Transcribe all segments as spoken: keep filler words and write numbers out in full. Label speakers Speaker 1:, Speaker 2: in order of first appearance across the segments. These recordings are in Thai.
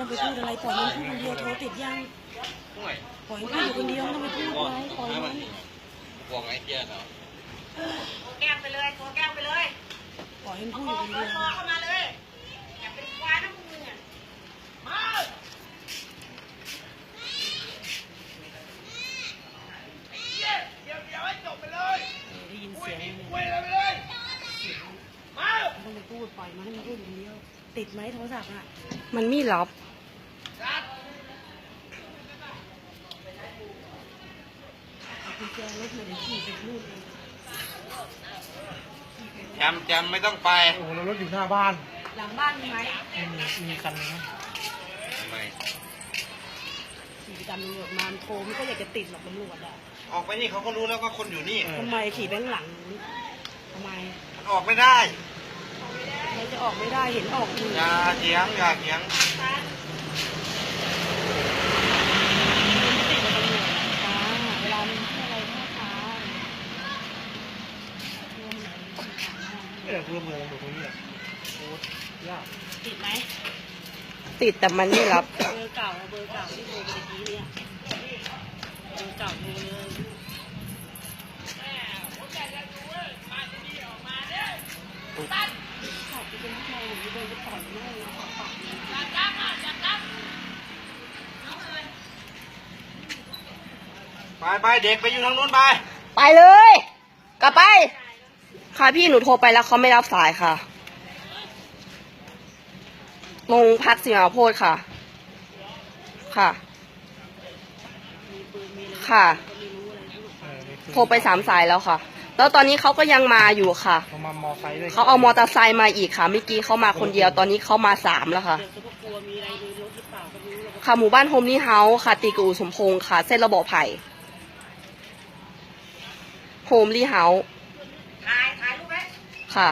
Speaker 1: ไปพูดอะไรปล่อยมันพูดคนเดียวโทรติดยังปล่อยมันพูดอยู่คนเดียวไม่ต้องไปพูดอะไรปล่อยมัน
Speaker 2: บวกไอ้เจี๊ยบเหรอ
Speaker 3: แก้มไปเลยโทรแก้มไปเลย
Speaker 1: ปล่อยมันพูดอยู่คนเดียว
Speaker 3: เข้ามาเลยอย่าเป็นควายนะพวกมึงอ่ะมาเดี๋ยวเดี๋ยวให้จบไปเลย
Speaker 1: ได้ยินเสียง
Speaker 3: คุยเลยไปเลยมา
Speaker 1: ต้องไปพูดปล่อยมันให้มันพูดอยู่คนเดียวติดไหมโทรศัพท์อ่ะ
Speaker 4: มันไม่รับ
Speaker 1: กุญแจรถมาเดี๋ยวขี่ไปนู่นเอง
Speaker 2: จำจำไม่ต้องไป
Speaker 5: โอ้โหรถอยู่หน้าบ้าน
Speaker 1: หลังบ้านมีไหม
Speaker 5: มีมีคันนึง
Speaker 2: ทำไม
Speaker 1: ขี่ไปตามตำรวจมาโทรมันก็อยากจะติดหรอกตำรวจอ่ะ
Speaker 2: ออกไปนี่เขาก็รู้แล้วว่าคนอยู่นี่
Speaker 1: ทำไมขี่ไปข้างหลังทำไม
Speaker 2: มันออกไม่ได้
Speaker 1: เราจะออกไม่ได้เห็นออกอยู่
Speaker 2: อย่าเถียงอย่าเถียง
Speaker 1: เวลามันอะไรท่าทาง
Speaker 5: ไม่ได้ร่วมมือกันตรงนี้แหละโอ้ยาก
Speaker 1: ติดไหม
Speaker 4: ติดแต่มันไม่รับ
Speaker 1: เบอร์เก่าเบอร์เก่าที่โทรไปตะกี้เนี่ยเบอร์เก่าโทรเลยขอบคุณผู้ชายหรือโดนไปต่อยแม่เลยขอปาก
Speaker 2: ไปไปเด็กไปอยู่ทางนู้นไป
Speaker 4: ไปเลยกลับไปค่ะพี่หนูโทรไปแล้วเขาไม่รับสายค่ะลงพักสิงห์โพธิ์ค่ะค่ะค่ะโทรไปสามสายแล้วค่ะแล้วตอนนี้เขาก็ยังมาอยู่ค่ะ
Speaker 5: เขามามอไซค์ด้วย
Speaker 4: เขาเอามอเตอร์ไซค์มาอีกค่ะเมื่อกี้เขามาคนเดียวตอนนี้เขามาสามแล้วค่ะค่ะหมู่บ้านโฮมนี่เฮาส์ค่ะตีกูสมพงษ์ค่ะเส้นระบบไผ่โฮมลี่เฮาส์
Speaker 3: ถ่ายถ่ายรูปไว้
Speaker 4: ค่ะ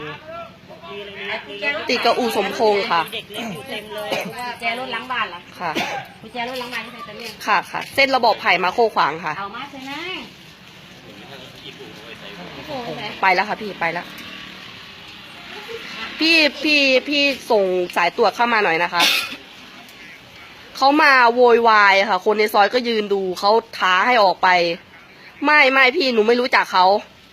Speaker 4: ติดกับอู่สมพงษ์ค่ะ
Speaker 1: เด็กเล็กอยู่เต็มเลยแจรถล้างบ้านเหรอ
Speaker 4: ค่ะ
Speaker 1: แจรถล้างบ้านที่ไหนตะเลี่ยง
Speaker 4: ค่ะค่ะเส้นระบบไผ่มาโคขวางค่ะ
Speaker 1: เอามาใช่ไหม
Speaker 4: ไปแล้วค่ะพี่ไปแล้วพี่พี่พี่ส่งสายตรวจเข้ามาหน่อยนะคะเขามาโวยวายค่ะคนในซอยก็ยืนดูเขาท้าให้ออกไปไม่ไม่พี่หนูไม่รู้จักเขา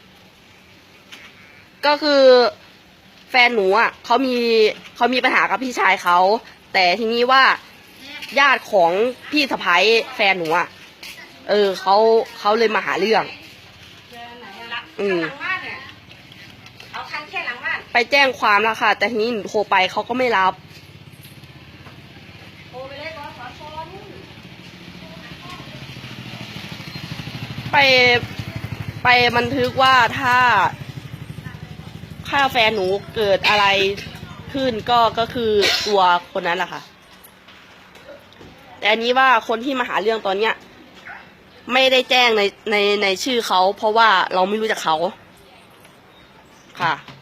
Speaker 4: ก็คือแฟนหนูอ่ะเขามีเขามีปัญหากับพี่ชายเขาแต่ทีนี้ว่าญาติของพี่สะใภ้แฟนหนูอ่ะเออเขาเขาเลยมาหาเรื่องอืม
Speaker 3: เอาคันแค่หลังบ้าน
Speaker 4: ไปแจ้งความแล้วค่ะแต่ทีนี้หนูโทรไปเขาก็ไม่รับ
Speaker 3: โทรไปเลยก่อนขอโทร
Speaker 4: ไปไปบันทึกว่าถ้าถ้าแฟนหนูเกิดอะไรขึ้นก็ก็คือตัวคนนั้นแหละค่ะแต่อันนี้ว่าคนที่มาหาเรื่องตอนเนี้ยไม่ได้แจ้งในในในชื่อเขาเพราะว่าเราไม่รู้จักเขาค่ะ